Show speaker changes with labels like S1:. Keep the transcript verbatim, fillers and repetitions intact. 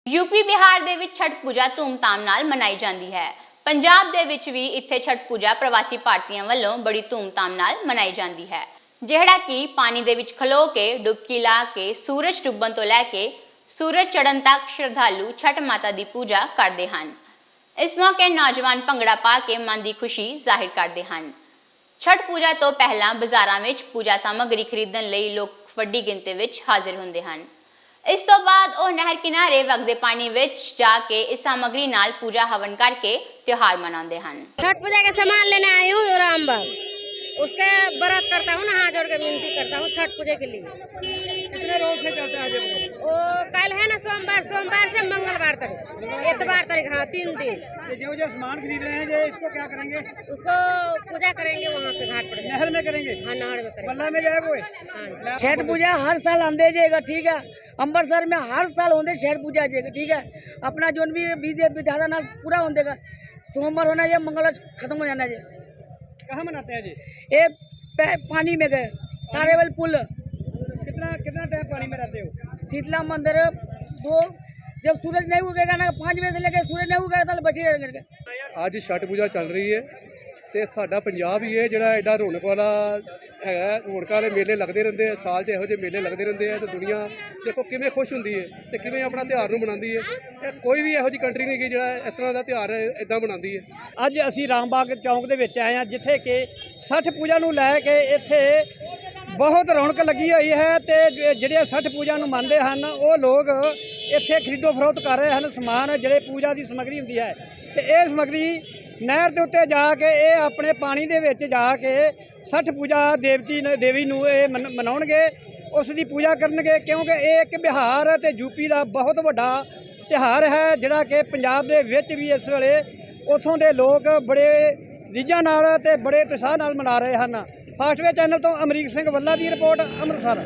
S1: UP Bihar दे विच छठ पूजा धूमधाम नाल मनाई जाती है। पंजाब दे विच भी इत्थे छठ पूजा प्रवासी भारतीयों वालों बड़ी धूमधाम नाल मनाई जाती है, जिहड़ा कि पानी दे विच खलो के डुबकी ला के सूरज डुब्बन तो लैके सूरज चढ़न तक श्रद्धालु छठ माता की पूजा करते हैं। इस मौके नौजवान भंगड़ा पा के मन की खुशी जाहिर करते हैं। छठ पूजा तो पहला बाजारां विच पूजा सामग्री खरीदण लई लोग वड्डी गिनती विच हाजिर हुंदे हैं। इस तो बाद वो नहर किनारे वगदे पानी विच जाके इस सामग्री नाल पूजा हवन करके त्योहार मनाते हैं।
S2: छठ पूजा के सामान लेने आई हूँ रामबाग, उसके व्रत करता हूँ, हाथ जोड़ के विनती करता हूँ छठ पूजा के लिए।
S3: कितने रोज से चलता है ये?
S2: वो कल है ना सोमवार, सोमवार से मंगलवार तक, इतवार तक, हाँ तीन दिन।
S3: ये जो जो सामान खरीद रहे हैं ये इसको क्या करेंगे?
S2: उसको पूजा करेंगे वहाँ पे घाट पर,
S3: नहर में करेंगे?
S2: हाँ नहर में करेंगे।
S3: बल्ला में जाए वो
S2: हाँ।
S4: छठ पूजा हर साल आंदे जाएगा, ठीक है। अमृतसर में हर साल होंगे छठ पूजा जाएगा, ठीक है। अपना जो भी विधि विधान नाल पूरा होंदेगा। सोमवार होना चाहिए, मंगलवार खत्म हो जाना चाहिए।
S3: कहाँ मनाते हैं जी?
S4: ये पानी में गए तारेवल पुल,
S3: कितना कितना टाइम पानी में रहते हो?
S4: शीतला मंदिर दो, जब सूरज नहीं उगेगा ना पाँच बजे से लेकर सूरज नहीं उगेगा तो बैठे रहेंगे।
S5: ਅੱਜ ਛठ ਪੂਜਾ ਚੱਲ ਰਹੀ ਹੈ ਤੇ ਸਾਡਾ ਪੰਜਾਬ ਹੀ ਹੈ ਜਿਹੜਾ ਐਡਾ ਰੌਣਕ ਵਾਲਾ ਹੈਗਾ। ਰੌਣਕਾਂ ਵਾਲੇ ਮੇਲੇ ਲੱਗਦੇ ਰਹਿੰਦੇ ਆ, ਸਾਲ 'ਚ ਇਹੋ ਜਿਹੇ ਮੇਲੇ ਲੱਗਦੇ ਰਹਿੰਦੇ ਆ ਤੇ ਦੁਨੀਆ ਦੇਖੋ ਕਿਵੇਂ ਖੁਸ਼ ਹੁੰਦੀ ਹੈ ਤੇ ਕਿਵੇਂ ਆਪਣਾ ਤਿਉਹਾਰ ਨੂੰ ਮਨਾਉਂਦੀ ਹੈ। ਇਹ ਕੋਈ ਵੀ ਇਹੋ ਜਿਹੀ ਕੰਟਰੀ ਨਹੀਂ ਗੀ ਜਿਹੜਾ ਇਸ ਤਰ੍ਹਾਂ ਦਾ ਤਿਉਹਾਰ ਇਦਾਂ ਮਨਾਉਂਦੀ ਹੈ।
S3: ਅੱਜ ਅਸੀਂ ਰਾਮਬਾਗ ਚੌਂਕ ਦੇ ਵਿੱਚ ਆਏ ਹਾਂ, ਜਿੱਥੇ ਕਿ ਛਠ ਪੂਜਾ ਨੂੰ ਲੈ ਕੇ ਇੱਥੇ ਬਹੁਤ ਰੌਣਕ ਲੱਗੀ ਹੋਈ ਹੈ ਤੇ ਜਿਹੜੇ ਛਠ ਪੂਜਾ ਨੂੰ ਮੰਨਦੇ ਹਨ ਉਹ ਲੋਕ ਇੱਥੇ ਖਰੀਦੋ ਫਰੋਖਤ ਕਰ ਰਹੇ ਹਨ ਸਮਾਨ, ਜਿਹੜੇ ਪੂਜਾ ਦੀ ਸਮੱਗਰੀ ਹੁੰਦੀ ਹੈ। ਤੇ ਇਹ ਸਮੱਗਰੀ ਨਹਿਰ ਦੇ ਉੱਤੇ ਜਾ ਕੇ ਇਹ ਆਪਣੇ ਪਾਣੀ ਦੇ ਵਿੱਚ ਜਾ ਕੇ ਛਠ ਪੂਜਾ ਦੇਵਤੀ ਦੇਵੀ ਨੂੰ ਇਹ ਮਨਾਉਣਗੇ, ਉਸ ਦੀ ਪੂਜਾ ਕਰਨਗੇ, ਕਿਉਂਕਿ ਇਹ ਇੱਕ ਬਿਹਾਰ ਅਤੇ ਯੂਪੀ ਦਾ ਬਹੁਤ ਵੱਡਾ ਤਿਉਹਾਰ ਹੈ ਜਿਹੜਾ ਕਿ ਪੰਜਾਬ ਦੇ ਵਿੱਚ ਵੀ ਇਸ ਵੇਲੇ ਉੱਥੋਂ ਦੇ ਲੋਕ ਬੜੇ ਰੀਝਾਂ ਨਾਲ ਅਤੇ ਬੜੇ ਉਤਸ਼ਾਹ ਨਾਲ ਮਨਾ ਰਹੇ ਹਨ। ਫਾਸਟਵੇ ਚੈਨਲ ਤੋਂ ਅਮਰੀਕ ਸਿੰਘ ਵੱਲਾ ਦੀ ਰਿਪੋਰਟ, ਅੰਮ੍ਰਿਤਸਰ।